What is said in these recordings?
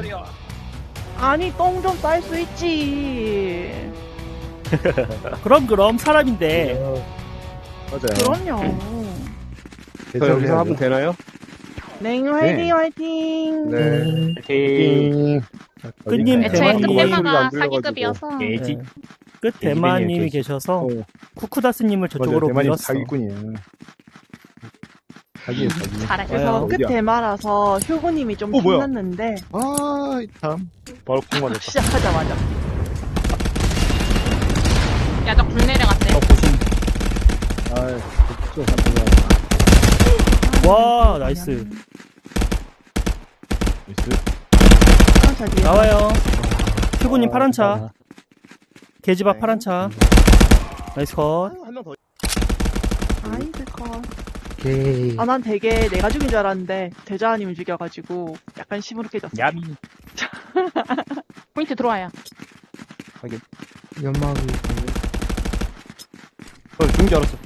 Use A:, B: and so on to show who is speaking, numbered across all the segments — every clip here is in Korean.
A: 소리야?
B: 아니 똥 좀 쌀 수 있지.
C: 그럼 사람인데.
D: 맞아요.
B: 그럼요.
D: 저 여기서 하면 되나요?
B: 네, 화이팅 화이팅.
D: 네.
A: 파이팅.
C: 끝님
E: 애초에
C: 대만님.
E: 끝테마가 사기급이어서
C: 네. 끝 대만님이 계셔서 쿠쿠다스님을 저쪽으로
D: 대만이
C: 밀었어.
D: 사기꾼이에요. 사기예요, 사기.
E: 잘해.
B: 그래서
D: 어디야?
B: 끝 대마라서 효구님이 좀
D: 뭐야?
B: 신났는데
D: 아, 참. 바로 폭발했다.
B: 시작하자마자.
E: 야, 저 굴 내려갔대.
D: 아, 진짜
C: 와 나이스.
D: 나이스.
B: 파란 차 뒤에.
C: 나와요. 휴구님 파란 차. 계집 앞 파란 차. 나이스 컷.
D: 한명 더.
B: 아이들 컷.
A: 오케이.
B: 아, 난 되게 내가 죽인 줄 알았는데 대자님이 죽여가지고 약간 시무룩해졌어.
A: 야미.
E: 포인트 들어와요.
A: 연막이.
D: 죽은 줄 알았어.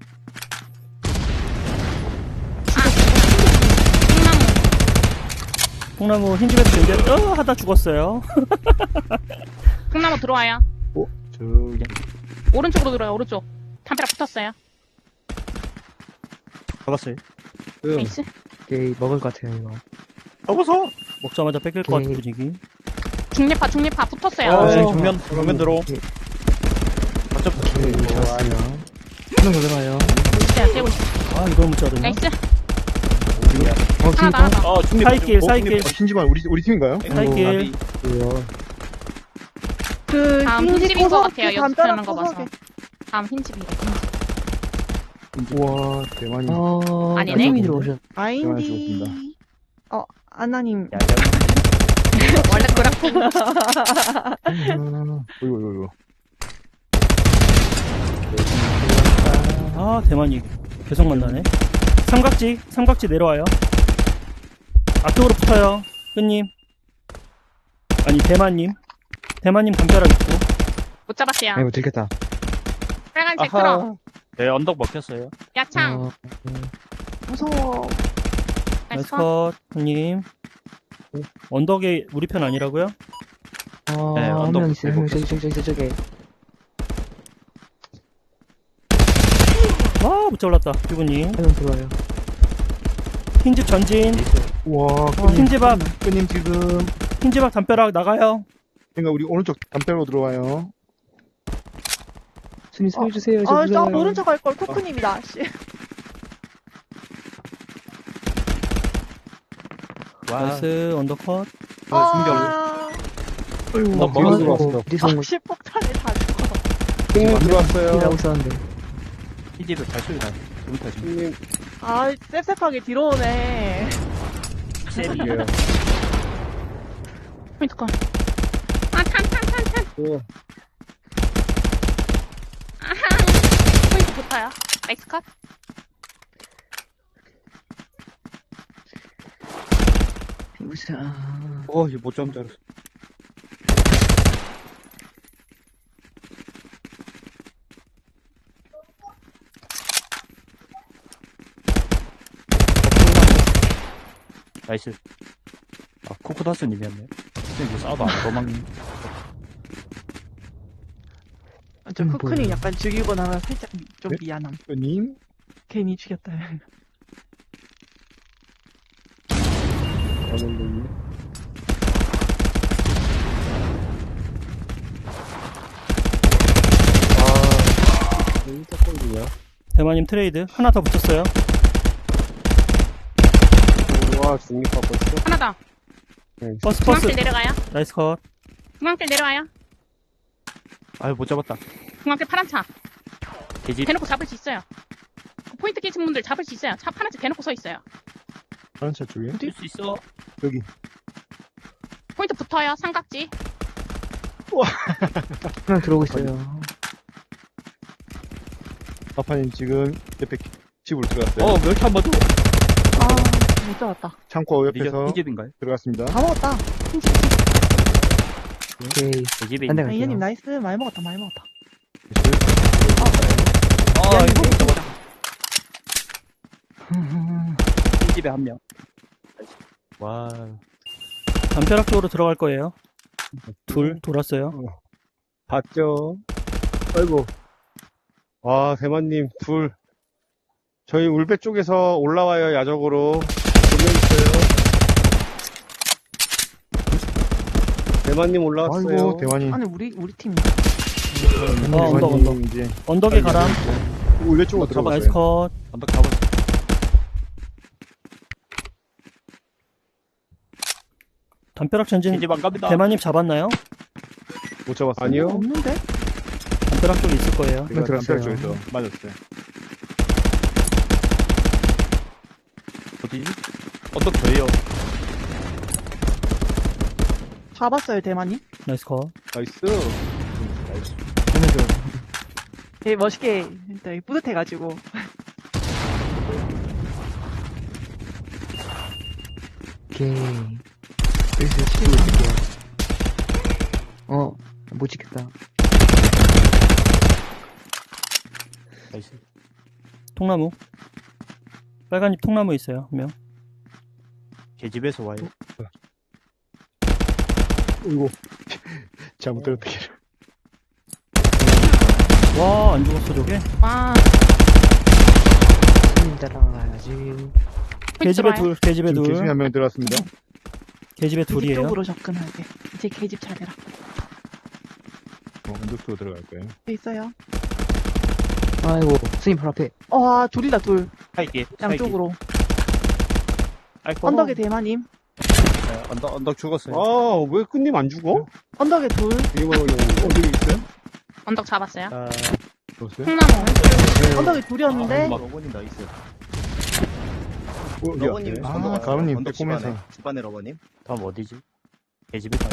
E: 콩나무.
C: 콩나무 흰집에서 견뎌 하다 죽었어요.
E: 콩나무 들어와요.
D: 저기.
E: 오른쪽으로 들어와요, 오른쪽. 담벼락 붙었어요.
D: 잡았어요.
E: 나이스.
A: 오케이, 먹을 것 같아요, 이거.
D: 잡아서!
C: 먹자마자 뺏길 것 같은 분위기.
E: 중립파 붙었어요.
D: 정면 들어.
A: 오케이, 좋았어요. 한명 더 들어와요.
E: 진짜 떼고 있어.
C: 아 이걸 못 자르네.
E: 나이스.
A: 어,
E: 하나 더, 하나 더.
D: 중립.
C: 사이길, 사이길.
D: 신지만 우리 팀인가요?
C: 사이길.
B: 그
E: 다음
B: 흰집
E: 흰집인 것
B: 구석에
E: 같아요,
B: 담벼락
E: 연습하는 거 봐서.
B: 구석에.
E: 다음 흰집이에요.
D: 우와, 대만이.
E: 아니네.
A: 팀이 들어오셨.
B: 아인디. 아나님.
E: 원래 그렇고.
D: 어이구.
C: 아 대만이 계속 만나네. 삼각지 내려와요. 앞쪽으로 붙어요. 끝님. 아니 대만님 담벼락 있고.
E: 못 잡았어요.
A: 아이고, 들켰다.
E: 빨간색 틀어.
A: 네, 언덕 먹혔어요.
E: 야창.
B: 무서워.
C: 나이스
E: 나이스 컷.
C: 컷. 끝님. 언덕에 우리 편 아니라고요?
A: 네,
D: 언덕
A: 한 명 있어요. 한 명,
D: 먹혔어요.
A: 저기.
C: 와 못 잘랐다. 피부님.
A: 한 명 들어와요.
C: 흰집 전진.
D: 우와,
C: 흰집 앞
D: 끄님 지금.
C: 흰집 앞 담벼락 나가요.
D: 그러니까 우리 오른쪽 담벼락으로 들어와요.
A: 순위 살려주세요. 저
B: 아, 저
A: 무서워요.
B: 모른 척 할 걸. 쿠쿠님이다. 씨.
C: 나이스 언더컷.
D: 어이구,
A: 뭐
D: 뒤로 들어왔어.
A: 어디서 온 거지?
B: 식폭탄에 다 죽어.
D: 끄님 들어왔어요.
A: 일하고 있었는데. 이집에 발소리 나요. 여기까지.
D: 끄님.
B: 아, 셉셉하게 뒤로 오네.
D: 이게요.
E: 포인트 컷. 아, 탄.
D: 오.
E: 포인트 붙어요. 나이스 컷.
A: 우사.
D: 이거 못 잡은 줄 알았어.
A: 나이스. 아, 코코다스님이었네. 근데 싸워도 안 도망.
B: 저 쿠쿠님 약간 죽이고 나면 살짝 좀
D: 네?
B: 미안함.
D: 끄님.
B: 괜히 죽였다.
C: 대만님 트레이드 하나 더 붙였어요.
D: 우와, 중립파 벌써.
E: 하나 더.
C: 버스
E: 중앙길 내려가요.
C: 나이스 컷.
E: 중앙길 내려와요.
A: 아유, 못 잡았다.
E: 중앙길 파란 차.
A: 계집.
E: 대놓고 잡을 수 있어요. 그 포인트 깨진 분들 잡을 수 있어요. 차 파란색 대놓고 서 있어요.
D: 다른 차 쪽에.
A: 뛸 수 있어.
D: 여기.
E: 포인트 붙어요. 삼각지.
A: 한 명 들어오고 있어요.
D: 아파님 지금 옆에 집으로 들어갔어요.
A: 멸치 한 번 더.
B: 아, 못 잡았다.
D: 창고 옆에서
A: 흰집인가요?
D: 들어갔습니다.
B: 다 먹었다. 흰집.
A: 오케이. 계집에 한 대
B: 아,
A: 갈게요.
B: 이현님 나이스. 많이 먹었다. 많이 먹었다.
A: 이거 못 잡았다. 흰집에 한 명. 와.
C: 담벼락 쪽으로 들어갈 거예요. 둘 돌았어요.
D: 봤죠? 아이고. 와, 대만님, 둘. 저희 울배 쪽에서 올라와요, 야적으로. 두 명 있어요. 대만님 올라왔어요.
F: 아이고, 대만이.
B: 아니, 우리 팀.
C: 언덕.
F: 이제
C: 언덕에 가람.
D: 울배 쪽으로
C: 나이스
D: 들어갔어요.
C: 컷.
A: 언덕 잡았어.
C: 담벼락 전진
A: 계집 안 갑니다.
C: 대만님 잡았나요?
D: 못 잡았어요. 아니요.
B: 없는데?
C: 담벼락 쪽에 있을 거예요.
D: 제가
F: 들었어요.
D: 담벼락 쪽에서 맞았어요.
A: 어디지? 언덕 저예요.
B: 잡았어요, 대만님.
C: 나이스 컷.
D: 나이스.
B: 되게 멋있게, 되게 뿌듯해가지고.
G: 오케이. 여기서 치고 있을게요. 못 지켰다.
A: 나이스.
C: 통나무. 빨간 잎 통나무 있어요. 한 명.
A: 계집에서 와요.
D: 이거. 잘못 들었다.
C: 와, 안 죽었어, 저게.
E: 와,
G: 손님 따라가야지.
C: 계집에 둘, 계집에
D: 지금
C: 둘.
D: 계집이 한 명 들어왔습니다.
C: 계집에
B: 계집
C: 둘이에요.
B: 쪽으로 접근하게. 이제 계집 차례라.
D: 언덕 쪽으로 들어갈 거예요.
B: 돼 있어요.
G: 아이고, 스님 바로 앞에.
B: 둘이다, 둘.
A: 살기.
B: 양쪽으로.
A: 아이고.
B: 언덕에 대만님.
A: 네, 언덕 죽었어요.
D: 아, 왜 끝님 안 죽어?
B: 언덕에 둘.
D: 이거 어디 있어요?
E: 언덕 잡았어요.
A: 아,
D: 들었어요?
E: 콩나무.
B: 언덕에 둘이었는데.
H: 러버님 나이스.
D: 러버님.
H: 러버님
F: 아, 가로님, 빼꼼해서.
H: 집안에 러버님.
A: 다음 어디지? 계집에 가요.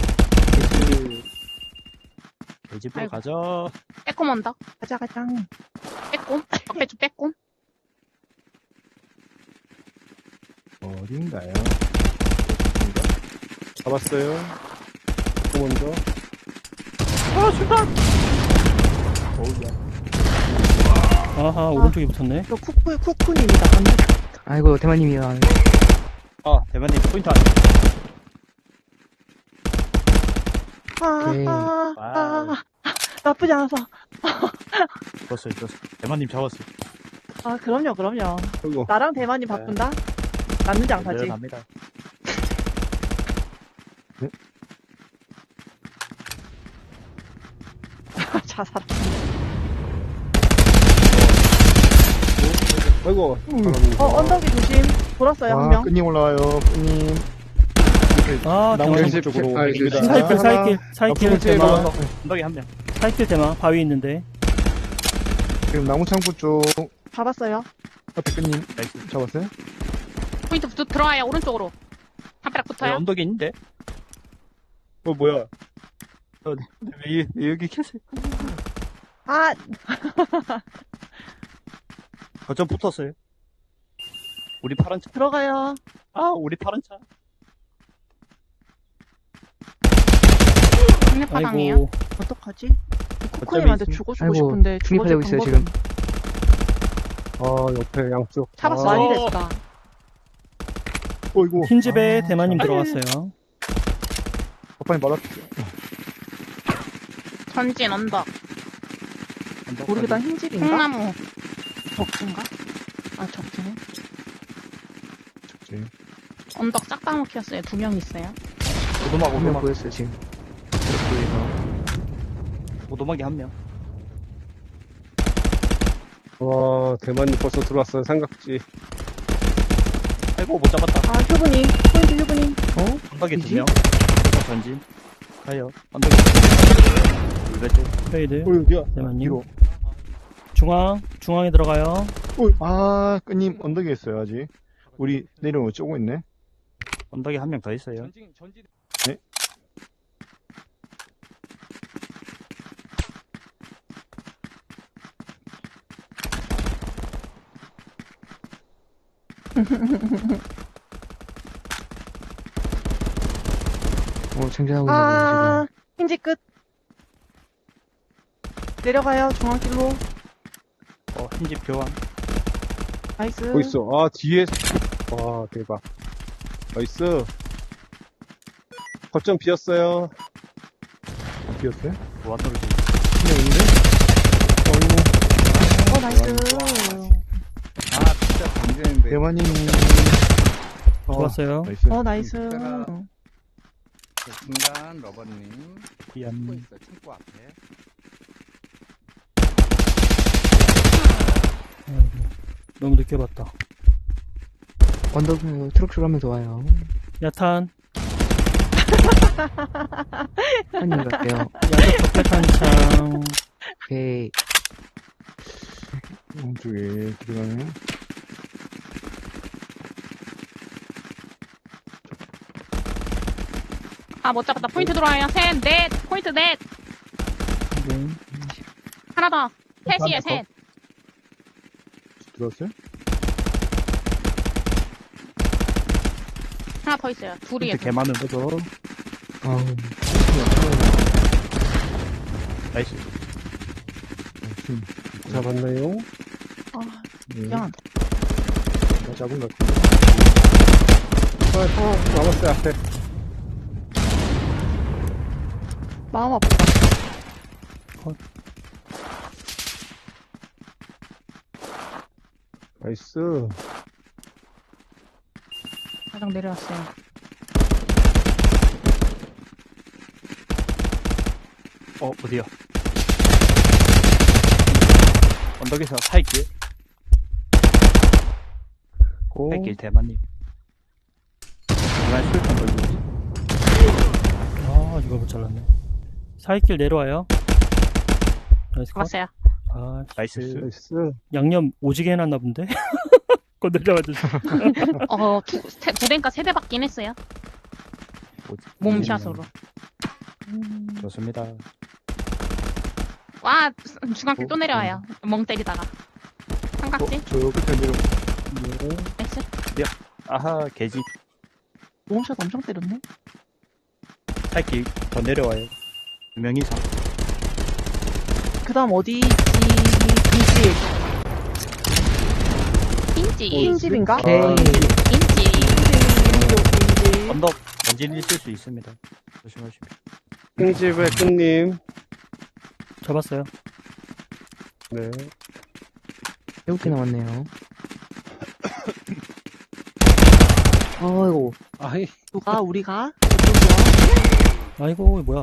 A: 계집으로
E: 아이고.
A: 가자.
E: 빼꼼 언덕.
B: 가자.
E: 빼꼼. 적배쪽 빼꼼.
D: 어딘가요? 잡았어요. 또 먼저.
C: 아하, 오른쪽에 붙었네.
B: 이거 쿠쿠님이다. 언덕.
G: 아이고, 대만님이야.
A: 아, 대만님 포인트 안.
G: 오케이.
A: 와우.
B: 나쁘지 않아서.
A: 죽었어요. 대만님 잡았어요.
B: 그럼요.
D: 이거.
B: 나랑 대만님 바꾼다? 남는 장사지.
A: 갑니다.
B: 자살.
D: 아이고.
B: 언덕이 조심. 돌았어요, 한
F: 와,
B: 명.
F: 끈님 올라와요, 끈님.
C: 아,
D: 나머지
C: 대만.
D: 쪽으로.
F: 아,
D: 옮깁니다.
C: 사이킬 대만.
A: 언덕에 한 명.
C: 사이킬 대만. 바위 있는데.
F: 지금 나무 창고 쪽
B: 잡았어요.
F: 앞에 끈님
A: 나이스.
F: 잡았어요?
E: 포인트 들어와요. 오른쪽으로. 담벼락
A: 네,
E: 붙어요.
A: 언덕에 있는데.
D: 뭐야.
A: 왜 여기 계세요?
B: 아,
A: 거점 붙었어요. 우리 파란 차.
B: 들어가요.
A: 우리 파란 차.
E: 상륙파당이에요.
C: 아이고.
B: 어떡하지? 쿠쿠님한테
A: 있으면-
B: 죽어주고
G: 아이고,
B: 싶은데
G: 중립하려고
B: 죽어줄
G: 있어요,
B: 방법이
D: 옆에 양쪽.
E: 잡았어.
B: 많이 됐다.
D: 어이구.
C: 흰 집에 대만님 들어갔어요.
F: 오빠님 말았
E: 전진 언덕.
B: 모르겠다, 흰집인가?
E: 콩나무.
B: 적진가? 적진해.
E: 언덕 싹 다 먹혔어요. 2명 있어요.
A: 오도막.
G: 한 명 보였어요, 지금.
A: 오도막이 한 명.
D: 와, 대만님 벌써 들어왔어요. 삼각지.
A: 아이고, 못 잡았다.
B: 휴브님. 포인트 휴브님.
A: 언덕에
G: 이지?
A: 2명. 전진. 가요. 언덕에. 물배 쪽.
C: 페이드.
D: 어디야?
C: 대만님.
F: 뒤로.
C: 중앙에 들어가요.
F: 아, 끈님 언덕에 있어요, 아직. 우리 내려오고 쪼고 있네.
A: 언덕에 한 명 더 있어요.
F: 네.
G: 장전하고 있는
B: 흰집 끝. 내려가요, 중앙길로.
A: 흰집 교환.
B: 나이스.
D: 뭐 있어? 뒤에. 와, 대박. 나이스. 거점 비었어요.
F: 비었어요?
A: 무한으로
F: 그냥 있네? 어이구.
B: 나이스.
H: 아, 진짜 강제인데.
F: 대만님.
C: 좋았어요.
F: 나이스.
B: 나이스.
H: 그 중간 러버님.
A: 미안.
H: 창고 있어요, 창고 앞에.
C: 너무 늦게 봤다.
G: 언덕 트럭 하면서 와요.
C: 야탄.
G: 한님 갈게요.
C: 야적 적배 탄창.
G: 오케이.
F: 오른쪽에 들어가네.
E: 아, 못 잡았다. 포인트 들어와요. 셋, 넷. 포인트 넷.
C: 네.
E: 하나 더. 셋이에요, 셋.
F: 들어왔어요?
E: 하나 더 있어요. 둘이에요.
A: 근데 개 많은 거죠.
G: 아우.
A: 나이스.
D: 잡았나요?
B: 아,
F: 네.
B: 미안.
F: 잡은 것 같은데.
D: 남았어요, 앞에.
B: 마음 아프다.
D: 나이스.
E: 가장 내려왔어요.
A: 어디야? 언덕에서 살길.
D: 고.
A: 살길 대만님. 중간 술탄 걸고 있지.
C: 아, 이걸 못 잘랐네. 사이길 내려와요. 나이스 컷.
E: 잡았어요.
C: 아,
A: 나이스.
D: 나이스.
C: 양념 오지게 해놨나 본데? 건들자마자.
E: 두 대인가 세 대 받긴 했어요. 몸샷으로.
A: 좋습니다.
E: 와, 중앙길 또 내려와요. 멍 때리다가. 삼각지.
F: 저 끝에 내려.
E: 나이스.
A: 아하, 개지.
B: 몸샷 엄청 때렸네.
A: 살길 더 내려와요. 2명 이상.
B: 그 다음 어디 있지?
E: 인지.
B: 흰집인가?
G: 오케이.
E: 인지.
B: 흰집.
A: 언덕 원진이 있을 수 있습니다. 조심하시고.
D: 킹집의 끝님.
C: 잡았어요.
D: 네.
G: 7개 남았네요. 아이고.
D: 아이.
B: 누가? 우리가? 저쪽이야?
C: 아이고, 뭐야.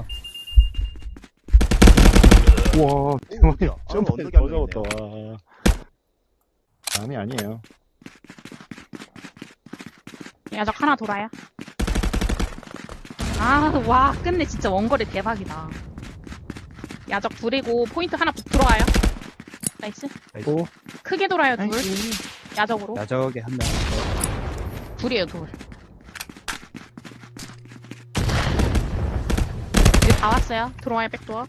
F: 우와, 대만님.
H: 아,
F: 점프에
H: 언덕이
F: 더
H: 안 보이네요.
F: 잡았다, 와. 남이 아니에요.
E: 야적 하나 돌아요. 아, 와, 끝내 진짜 원거리 대박이다. 야적 둘이고 포인트 하나 들어와요. 나이스.
D: 고.
E: 크게 돌아요, 둘.
B: 나이스.
E: 야적으로.
A: 야적에 한 명.
E: 둘이에요, 둘. 이제 다 왔어요. 들어와요, 백도어.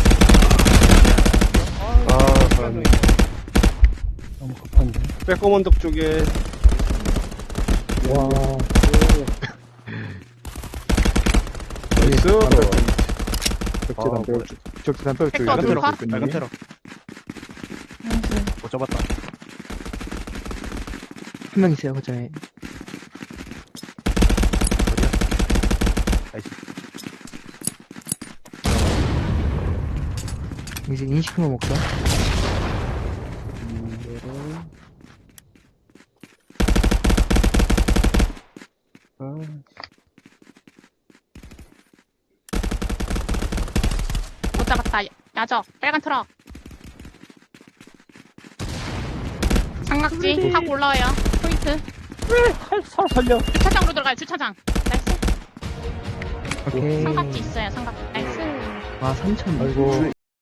D: 아, 잘하네.
C: 너무 급한데.
D: 빼꼼 언덕 쪽에.
F: 와.
D: 나이스.
F: 적재 담벼락 쪽. 적재 담벼락 쪽에.
E: 백도어
A: 빨간
E: 둘
A: 트럭.
E: 컷.
A: 빨간 트럭. 못 잡았다.
G: 한 명 있어요, 거점에.
A: 나이스.
G: 이제 인식만 먹자.
E: 못 잡았다. 야적. 빨간 트럭. 삼각지 타고 올라와요. 포인트.
A: 살려.
E: 주차장으로 들어가요. 주차장. 나이스.
G: 오케이.
E: 삼각지 있어요. 삼각지. 나이스.
G: 아, 3,000.
F: 아이고.